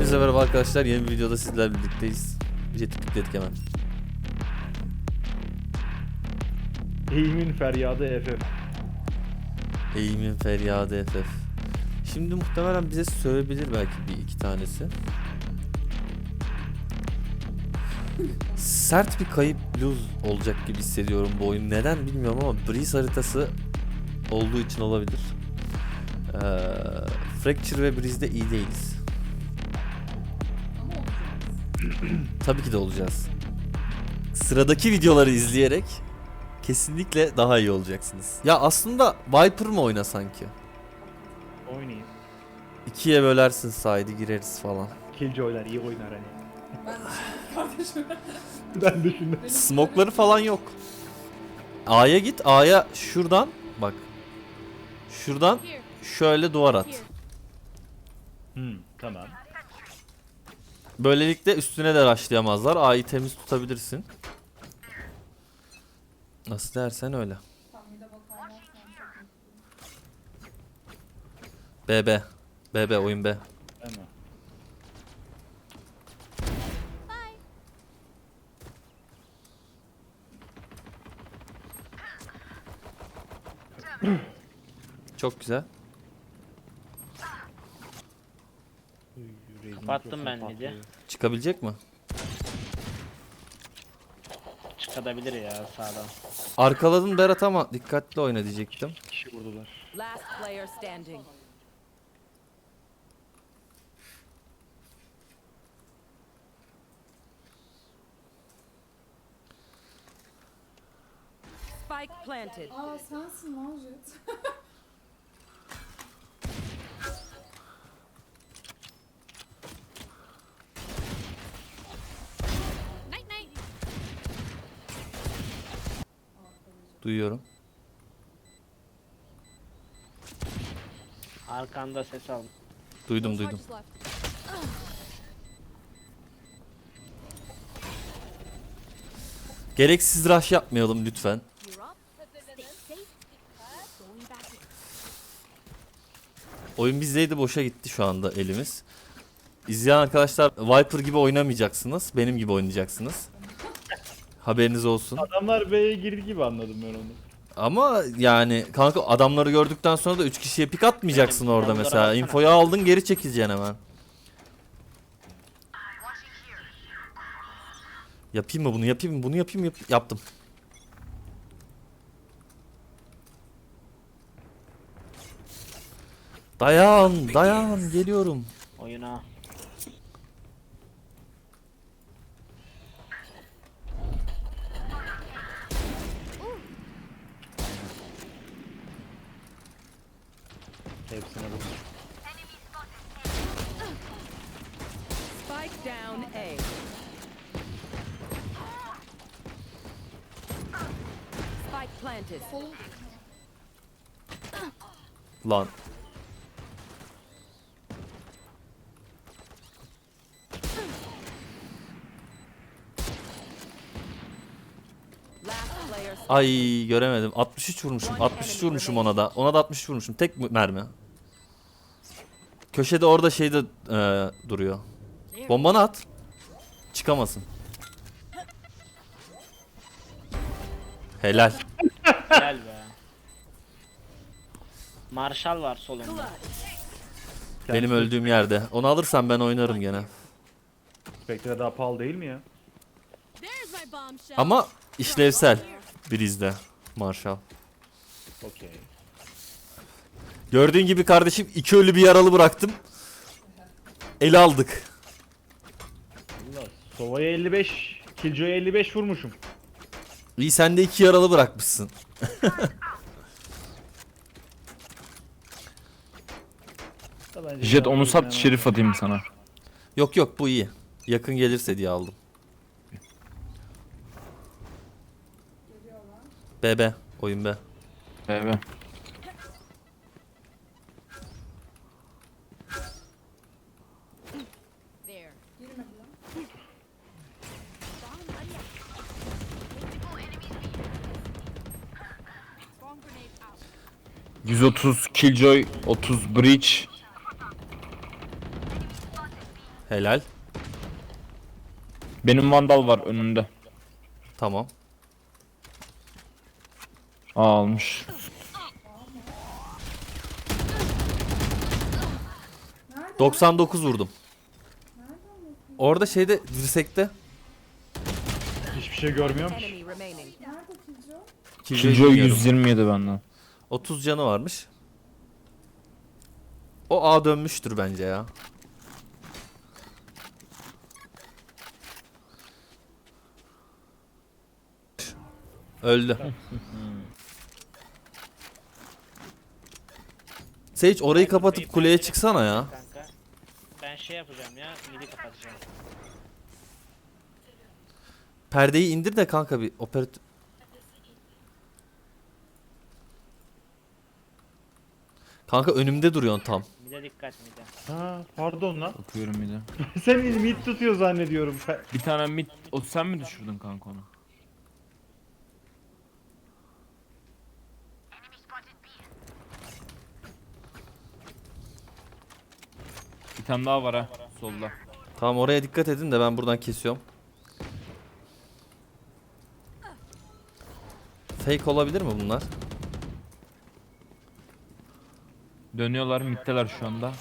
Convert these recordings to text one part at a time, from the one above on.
Hepinize merhaba arkadaşlar. Yeni bir videoda sizlerle birlikteyiz. Jet'i tıkladık hemen. Eğimin feryadı FF. Eğimin feryadı FF. Şimdi muhtemelen bize sövebilir belki bir iki tanesi. Sert bir kayıp lose olacak gibi hissediyorum bu oyun. Neden bilmiyorum ama Breeze haritası olduğu için olabilir. Fracture ve Breeze'de iyi değiliz. Tabii ki de olacağız. Sıradaki videoları izleyerek kesinlikle daha iyi olacaksınız. Ya aslında Viper mı oyna sanki? Oynayayım. İkiye bölersin side'i gireriz falan. Killjoy'lar iyi oynar hani. Kardeşim. Ben düşündüm. Smoke'ları falan yok. A'ya git. A'ya şuradan bak. Şuradan şöyle duvar at. Tamam. Böylelikle üstüne de rushlayamazlar. A'yı temiz tutabilirsin. Nasıl dersen öyle. BB. BB oyun B. Tamam. Çok güzel. Kapattım ben midi. Çıkabilecek mi? Çıkabilir ya sağdan. Arkaladın Berat ama dikkatli oyna diyecektim. Kişi vurdular. Last player standing. Spike planted. Aa sensin lan Jet. Duyuyorum. Arkanda ses aldım. Duydum duydum. Gereksiz rush yapmayalım lütfen. Oyun bizdeydi, boşa gitti şu anda elimiz. İzleyen arkadaşlar Viper gibi oynamayacaksınız. Benim gibi oynayacaksınız. Haberiniz olsun. Adamlar B'ye girdi gibi anladım ben onu. Ama yani kanka adamları gördükten sonra da 3 kişiye pik atmayacaksın Benim orada adamlara mesela. baksana. Infoyu aldın, geri çekileceksin hemen. Yapayım mı bunu, yapayım mı bunu, yapayım mı? Yaptım. Dayan, dayan, geliyorum. Oyuna. Hepsine vurdum. Spike down A. Spike planted. Lan. Last player standing. Ay göremedim. 63 vurmuşum. 63 vurmuşum ona da. Ona da 60 vurmuşum. Tek mermi. Köşede orada şeyde duruyor. Bombanı at. Çıkamasın. Helal. Gel be. Marshall var solunda. Benim öldüğüm yerde. Onu alırsam ben oynarım gene. Spectre daha pahalı değil mi ya? Ama işlevsel. Breeze'de. Marshall. Okey. Gördüğün gibi kardeşim 2 ölü bir yaralı bıraktım. Eli aldık. Allah. Sova'ya 55, Killjoy'a 55 vurmuşum. İyi, sen de 2 yaralı bırakmışsın. Da bence Jet daha onu sat, iyi şerif atayım sana. Yok yok, bu iyi. Yakın gelirse diye aldım. BB. Oyun B. Evet. There. Girmedi lan. 130 Killjoy, 30 Breach. Helal. Benim vandal var önünde. Tamam. Almış. Nerede? 99 vurdum. Nereden bakıyorsun? Orada şeyde dirsekte. Hiçbir şey görmüyorum ki. Enemy remaining. Nerede Killjoy? Killjoy Killjoy bilmiyorum. 127 benden. 30 canı varmış. O A dönmüştür bence ya. Öldü. Sage orayı kapatıp kuleye çıksana ya. Kanka. Ben şey yapacağım ya. Midi kapatacağım. Perdeyi indir de kanka bir operatör. Kanka önümde duruyorsun tam. Mide dikkat mide. Ha pardon lan. Bakıyorum bir de. Sen mid tutuyor zannediyorum. Bir tane mid... O sen mi düşürdün kanka onu? Bir tane daha var ha solda. Tamam oraya dikkat edin de ben buradan kesiyorum. Fake olabilir mi bunlar? Dönüyorlar middeler şu anda.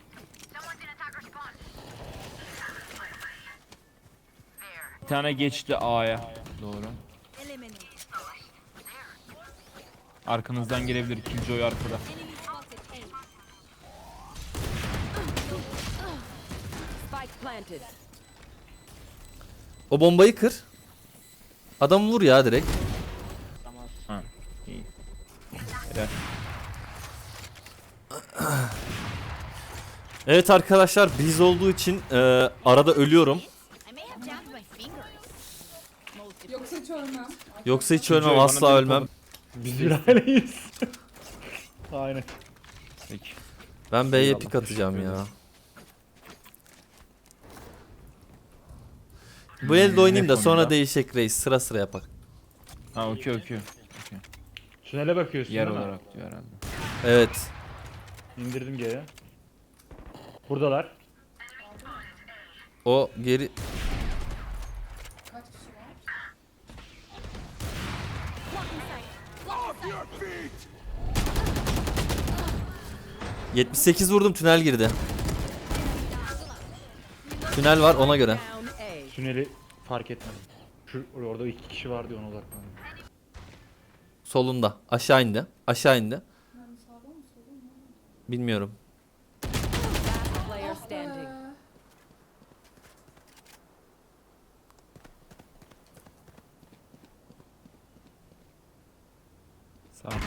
Bir tane geçti A'ya doğru. Arkanızdan gelebilir Killjoy arkada. Spike planted. O bombayı kır. Adamı vur ya direkt. Tamam. Ha. İyi. Helal. Evet arkadaşlar biz olduğu için arada ölüyorum. Yoksa hiç ölmem. Yoksa hiç ölmem, Killjoy bana asla dönüp ölmem. Biz bir aileyiz. Aynen. Peki. Ben B'ye Eyvallah, pik atacağım teşekkür ya. ederim. Bu elde oynayayım da ne sonra konuda? değişecek reis. Sıra sıra yapak. Ha okey. Tünele bakıyorsun Yer değil mi? olarak diyor herhalde. Evet. İndirdim G'ye. Buradalar. O geri... Kaç kişi var? ...78 vurdum, tünel girdi. Tünel var ona göre. Down A. Tüneli fark etmedim. Orada 2 kişi vardı ona odaklandım. Solunda. Aşağı indi. Aşağı indi. Yani sağda mı solda mı? Bilmiyorum. Last player standing. Sağ ol.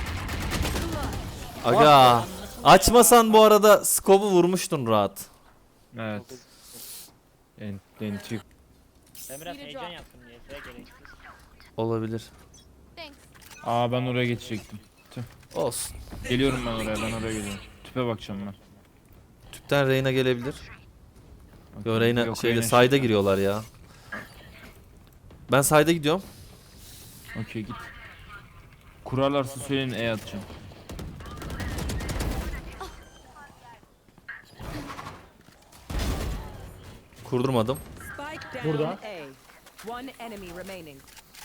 Aga. Açmasan bu arada scope'u vurmuştun rahat. Evet. Entik. Ben biraz heyecan yaptım diye. Gereksiz. Olabilir. Aa ben oraya geçecektim. Olsun. Geliyorum ben oraya geliyorum. Tüpe bakacağım ben. Tüpten Reyna gelebilir. Yo Okey. Reyna Yok, şeyde Reyna sayda şeyde. giriyorlar ya. Ben sayda gidiyorum. Okey git. Kurarlarsa söyleyin E atacağım. Kurdurmadım. Spike down Burada. A. One enemy remaining.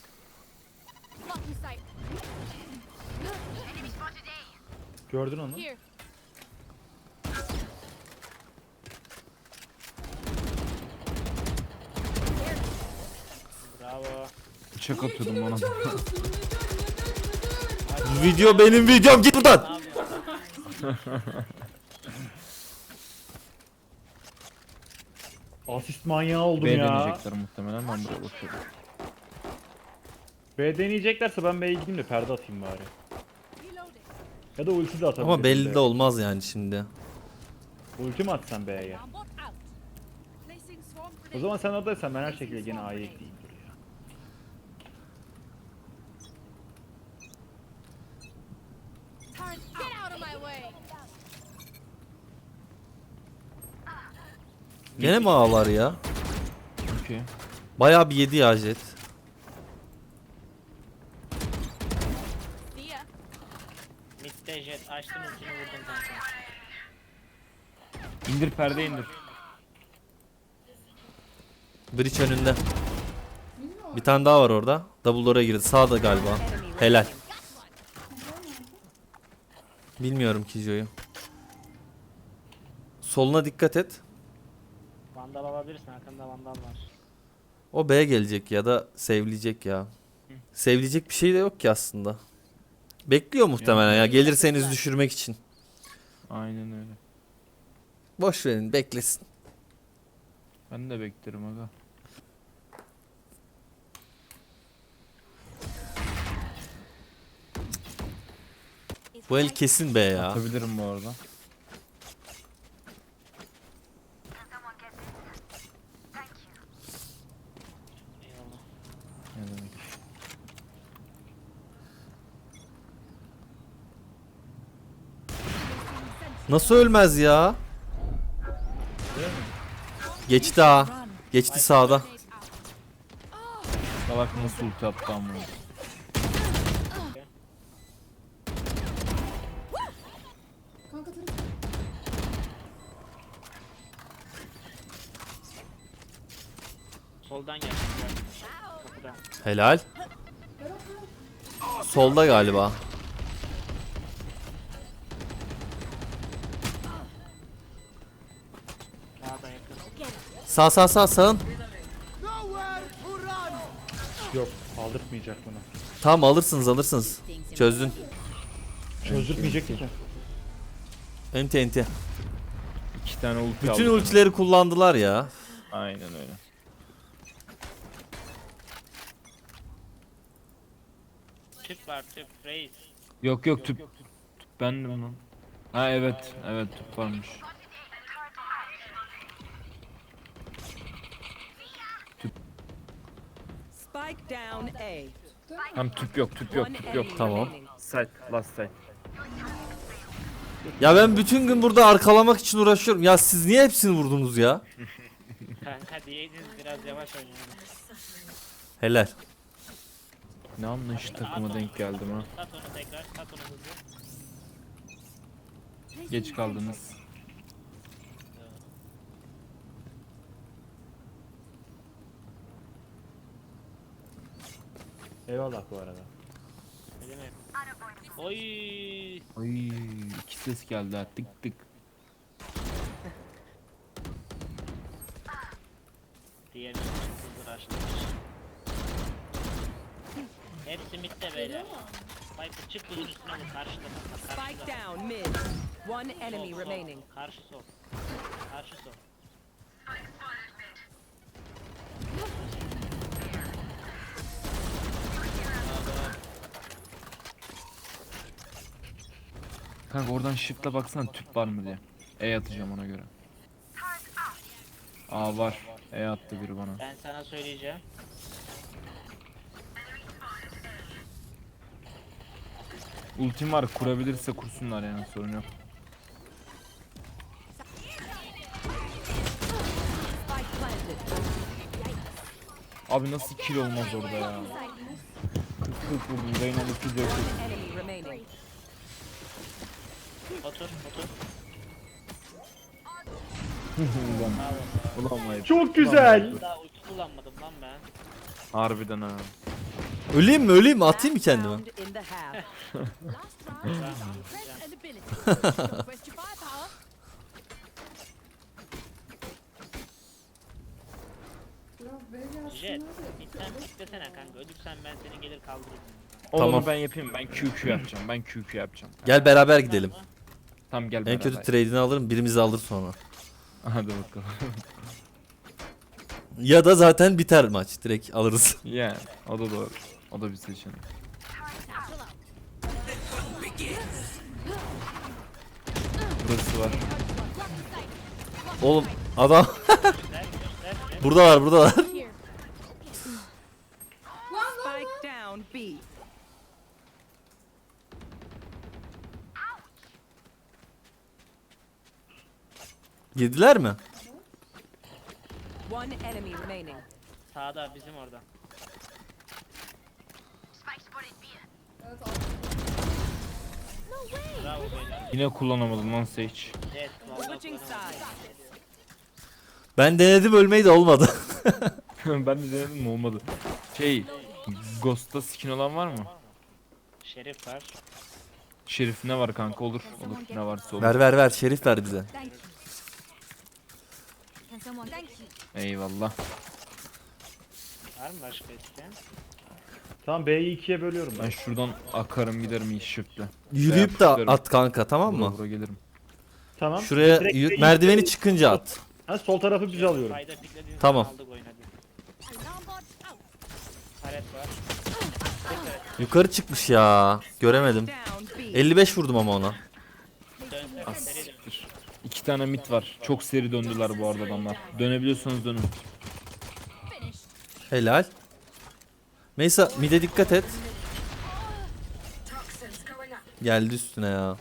Gördün onu. Bravo. Bıçak atıyordum ona. Video benim videom, git buradan. Ne yapıyorsun? Asist manyağı oldum B ya. deneyecekler muhtemelen ben buraya bakıyorum. B deneyeceklerse ben B'ye gideyim de perde atayım bari. Ya da ulti de atabilirim. Ama belli de olmaz yani şimdi. Ulti mi atsam B'ye? O zaman sen oradaysan ben her şekilde gene A'ya ekleyeyim dur ya. Gene mi ağlar ya? Okey. Bayağı bir yedi ya jet. Mid'de jet açtım ultini vurdum kanka. İndir perde indir. Bridge önünde. Bilmiyorum. Bir tane daha var orada. Double door'a girdi. Sağda galiba. Enemy Helal. remaining. Bilmiyorum Kijo'yu. Soluna dikkat et. Vandal alabilirsin, arkamda vandal var. O B'ye gelecek ya da save'leyecek ya. Save'leyecek bir şey de yok ki aslında. Bekliyor muhtemelen ya. Gelirseniz düşürmek için. Aynen öyle. Boş verin, beklesin. Ben de beklerim aga. Bu el kesin B ya. Atabilirim bu arada. Eyvallah. Ne demek? Nasıl ölmez ya? Geçti ha. Geçti sağda. Salak nasıl ulti attı ama. Kanka tarafı. Soldan gel. Kapıda. Helal. Solda galiba. Sağda yakın. Sağ sağın. Yok aldırtmayacak bunu. Tamam alırsınız. Çözdün. Çözdürtmeyecekti ki. Enti. 2 tane ulti Bütün aldım. ultileri kullandılar ya. Aynen öyle. Tüp var, tüp. Reis. Yok tüp. Tüp bendim lan. Ha evet tüp varmış. Spike down A. Tam tüp yok. One enemy Tamam. remaining. Side last side. Ya ben bütün gün burada arkalamak için uğraşıyorum. Ya siz niye hepsini vurdunuz ya? Kanka diyeydiniz biraz yavaş oynayalım. Helal. Ne anlayış takıma denk geldim ha. Sat onu tekrar, sat onu hızlı. Geç kaldınız. Eyvallah bu arada. Ne demek? Oy. Ay 2 ses geldi ha. Tık tık. Diğerini hızlı açtı. Hepsi midde beyler. Viper çık buzun üstüne vur. Karşıda bak. Spike Karşıda. down mid. One enemy Sol, remaining. Karşı sol. Karşı sol. Kanka oradan shift'le baksana tüp var mı diye. E atacağım ona göre. Aa var. E attı biri bana. Ben sana söyleyeceğim. Ultim var, kurabilirse kursunlar yani, sorun yok. Spike planted. Abi nasıl kill olmaz orada ya? 40 vurdum, Reyna ulti de yok. One enemy remaining. Otur, otur. Ulan vay. Çok güzel. Daha ulti kullanmadım lan ben. Harbiden ha. Öleyim mi? Atayım mı kendime? Round in the half. Biraz B gelsin Jet, hadi. midden piklesene kanka. Ölürsen ben seni gelir kaldırırım. Tamam. Tamam. Ben yapayım, ben QQ yapacağım, ben QQ yapacağım. Gel beraber gidelim. Tamam gel En beraber. kötü trade'ini alırım, birimizi alır sonra. Hadi bakalım. Ya da zaten biter maç. Direkt alırız. Yani o da doğru. O da bir seçenek. Burası var. Oğlum adam Göster. buradalar. Spike down B. Yediler mi? One enemy remaining. Sağda bizim orada. Evet aldım. Bravo beyler. Yine kullanamadım lan Sage. Evet, vallahi Switching kullanamadım. sides. Ben denedim, ölmeyi de olmadı. Ben de denedim olmadı. Ghost'ta skin olan var mı? Şerif var. Şerif ne var kanka, olur. Olur, ne varsa olur. Ver Şerif ver bize. Thank you. Can someone thank you? Eyvallah. Var mı başka isteyen? Tamam B'yi ikiye bölüyorum Ben ben. şuradan akarım giderim iyi shift'le. Yürüyüp de at kanka, tamam Vura mı? vura gelirim. Tamam. Şuraya Direkt B'yi merdiveni ikiye- çıkınca at. Ha, sol tarafı biz alıyorum. Fayda piklediğin Tamam. zaman aldık oynadık. Alarm bot out. Paret var. Yukarı çıkmış ya. Göremedim. Down B. 55 vurdum ama ona. Dönsene seri dön. 2 tane mit var. Çok seri döndüler bu arada adamlar. Dönebiliyorsanız dönün. Finished. Helal. Meysa mide dikkat et. Geldi üstüne ya.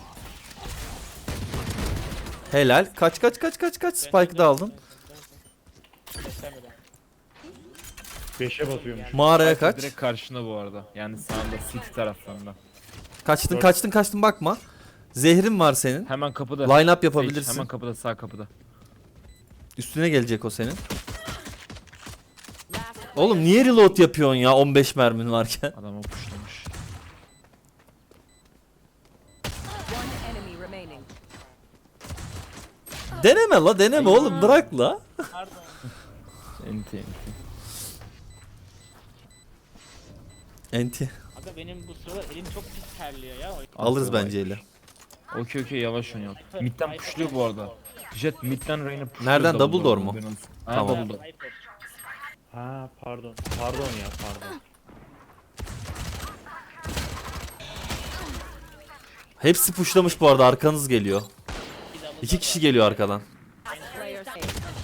Helal. Kaç. Spike'ı da aldın. Göstermeden. 5'e basıyormuş. Mağaraya kaç. Direkt karşında bu arada. Yani sağında city taraflarında. Kaçtın bakma. Zehrin var senin. Hemen kapıda. Line up Sage, yapabilirsin. hemen kapıda, sağ kapıda. Üstüne gelecek o senin. Last Oğlum niye reload yapıyorsun ya 15 mermin varken? Adam puşlamış. one enemy remaining. Deneme oğlum, bırak la. Pardon. Enti. Enti. Aga benim bu sıralar elim çok pis terliyor ya. Alırız bence ele. Okey yavaş oynayalım. Mid'den pushluyor bu arada. Jet mid'den Reyna pushluyor. Nereden? Double door mu? Tamam. Tamam. Double door. Viper. Ha pardon. Pardon ya pardon. Hepsi pushlamış bu arada, arkanız geliyor. Bir double 2 kişi geliyor arkadan. Player safe.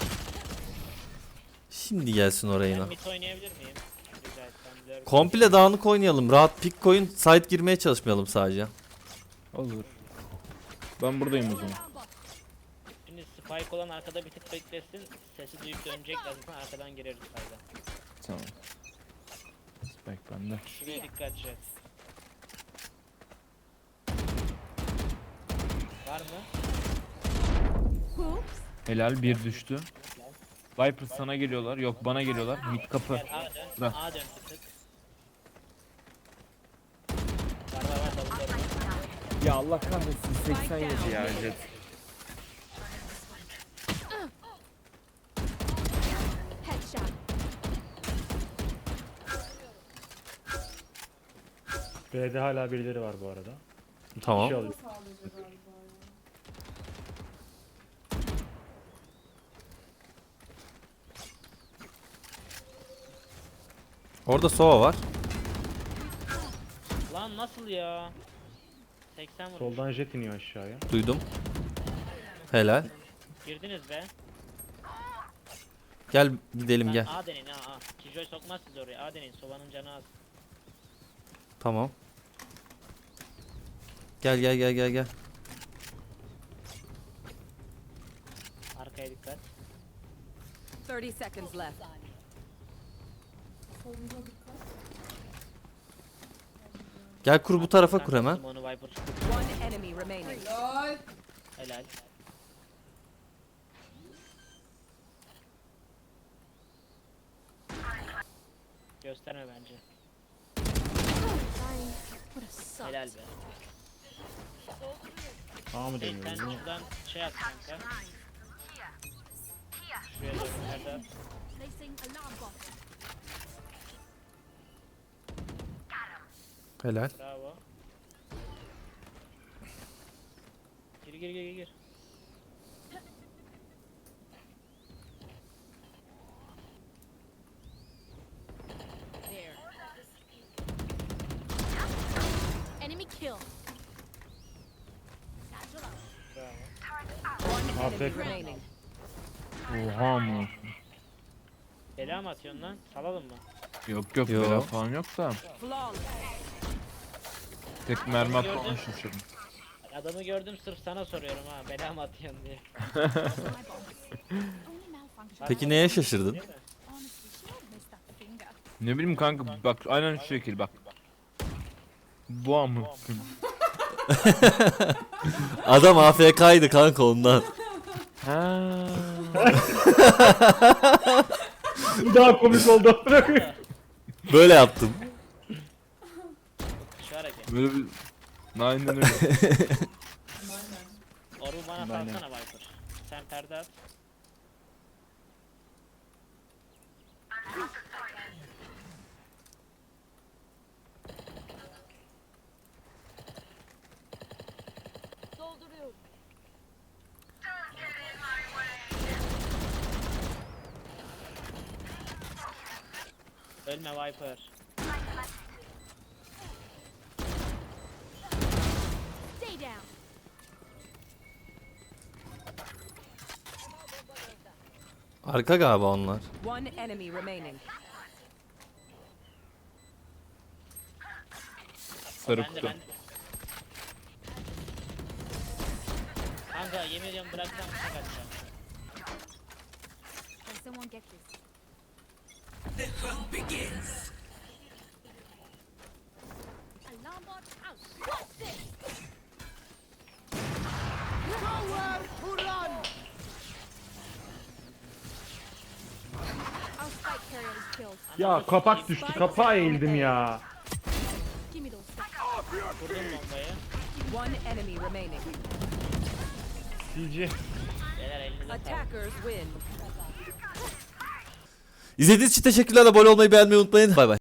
Şimdi gelsin oraya yine. Ben mid oynayabilir miyim? Rica etsem. Lurk. Komple dağınık oynayalım. Rahat pick koyun. Side girmeye çalışmayalım sadece. Olur. Ben buradayım o zaman. Şimdi spike olan arkada bir tık beklesin. Sesi duyup dönecek zaten arkadan gireriz sayda. Tamam. Spike bende. Şuraya dikkat et. Var mı? Helal, bir düştü. Viper sana geliyorlar. Yok, bana geliyorlar. Mid kapı. Gel A dön. Bırak. A dön bir tık. Var double door. Ya Allah kahretsin, 87 ya Jet. Headshot. B'de hala birileri var bu arada. İki Tamam. kişi alıyor. Sadece galiba ya. Orada Sova var. Lan nasıl ya? 80 vurmuş. Soldan jet iniyor aşağıya. Duydum. Helal. Girdiniz be. Gel gidelim gel. A deneyin A. Kijoy sokmaz sizi oraya. A deneyin. Sovanın canı az. Tamam. Gel. Arkaya dikkat. 30 seconds left. Solumuza dikkat. Gel kur bu tarafa kur Kanka, hemen. Simone'u Viper. One enemy remaining. Helal. Helal. Gösterme bence. What a suck. Helal be. A mı Hey, sen deniyor? şuradan şey at kanka. Şuraya doğru nerede? Placing alarm bot. Helal. Bravo. Gir. There. Enemy kill. Satchel out. Bravo. One enemy Afiyet. remaining. Oha mı? Bela mı atıyorsun lan? Salalım mı? Yok Yo. bela falan yok da. Flawless. Tek mermi atmadan şaşırdım. Adamı gördüm sırf sana soruyorum ha. Bela mı atıyorsun diye. My bomb. Only malfunction. Peki neye şaşırdın? Değil mi? Honestly, she missed that finger. Ne bileyim kanka, bak aynen şu şekil bak. Bu an mı? Adam AFK'ydı kanka ondan. Ha. Daha komik oldu. Böyle yaptım. Şu hareket. Böyle bir... Aynen öyle. Oru bana Aynen. salsana Viper. Sen perde at. Dolduruyorum. Ölme Viper. Stay down. Arka galiba onlar. One enemy remaining. Sarı Ben de kutu. ben de. Kanka yemin ediyorum bıraksam bıçak atacağım. Can someone get this? Alarm bot out. What's this? Our spike carrier is killed. Ya kapak düştü. Kapağa eğildim ya. Give me those sticks. Vurdum bombayı. One enemy remaining. CG. Beyler elinize sağlık. Attackers win. İzlediğiniz için teşekkürler. Abone olmayı, beğenmeyi unutmayın. Bay bay.